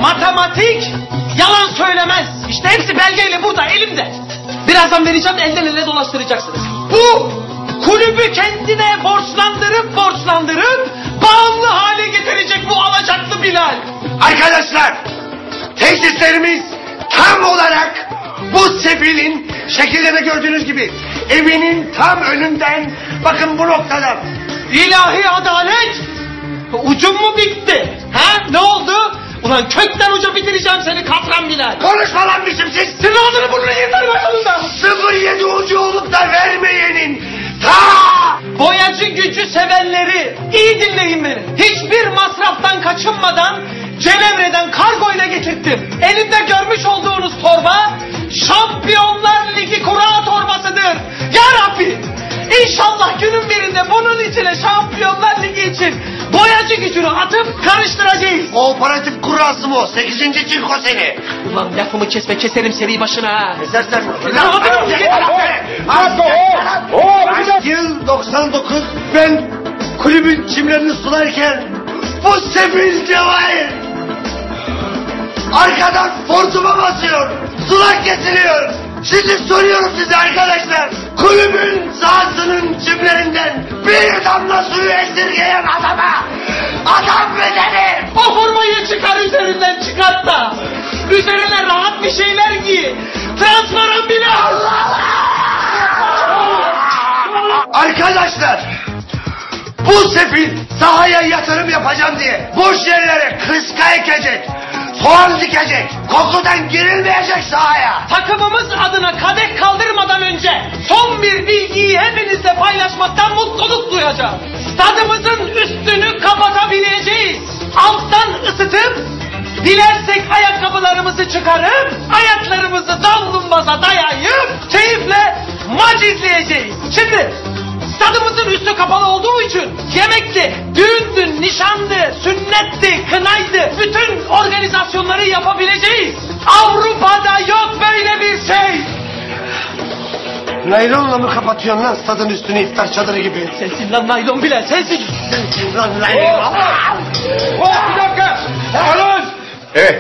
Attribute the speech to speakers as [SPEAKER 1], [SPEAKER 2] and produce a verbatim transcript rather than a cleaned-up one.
[SPEAKER 1] matematik yalan söylemez. İşte hepsi belgeyle burada elimde. Birazdan vereceğim, elden ele dolaştıracaksınız. Bu kulübü kendine borçlandırıp borçlandırıp bağımlı hale getirecek bu alacaklı Bilal.
[SPEAKER 2] Arkadaşlar, tesislerimiz tam olarak bu sefilin şekilde de gördüğünüz gibi evinin tam önünden, bakın bu noktadan.
[SPEAKER 1] İlahi adalet! Ucum mu bitti? Ha? Ne oldu? Ulan kökten uca bitireceğim seni katran Bilal.
[SPEAKER 2] Konuşma lan biçimsiz.
[SPEAKER 1] Senin ağzını burnunu yeter başımızdan.
[SPEAKER 2] sıfır yedi ucu olup da vermeyenin ta.
[SPEAKER 1] Boyacı gücü sevenleri iyi dinleyin beni. Hiçbir masraftan kaçınmadan Cenevre'den kargoyla getirttim. Elimde görmüş olduğunuz torba Şampiyonlar Ligi kura torbasıdır. Ya Rabbi, İnşallah günün birinde bunun içine Şampiyonlar Ligi için boyacı gücünü atıp karıştıracağız.
[SPEAKER 2] Kooperatif kurası mı o? Sekizinci çinko seni.
[SPEAKER 1] Ulan lafımı kesme, keserim seri başına ha.
[SPEAKER 2] Kesersen mi?
[SPEAKER 1] Lan
[SPEAKER 2] Yıl doksan dokuz, ben kulübün çimlerini sularken bu sefil Cevahir arkadan fortuma basıyor, sular kesiliyor. Şimdi soruyorum size arkadaşlar, kulübün sahasının çimlerinden bir damla suyu esirgeyen adama adam mı denir?
[SPEAKER 1] o formayı çıkar üzerinden, çıkart da üzerine rahat bir şeyler giy. Transparan bile Allah.
[SPEAKER 2] Arkadaşlar, bu sefil sahaya yatırım yapacağım diye boş yerlere kıska ekecek, soğan dikecek, kokudan girilmeyecek sahaya.
[SPEAKER 1] Takımımız adına kadeh kaldırmadan önce son bir bilgiyi hepinizle paylaşmaktan mutluluk duyacağım. Stadımızın üstünü kapatabileceğiz. Alttan ısıtıp dilersek ayakkabılarımızı çıkarıp ayaklarımızı davlumbaza dayayıp keyifle maç izleyeceğiz. Şimdi stadımızın üstü kapalı olduğu için yemekti, düğündü, nişandı, sünnetti, kınaydı, bütün organizasyonları yapabileceğiz. Avrupa'da yok böyle bir şey.
[SPEAKER 2] Naylonla mı kapatıyorsun lan stadın üstünü iftar çadırı gibi?
[SPEAKER 1] Sensin lan naylon bile, sensin.
[SPEAKER 2] Sensin lan naylon.
[SPEAKER 3] Bir dakika. Alın. Evet.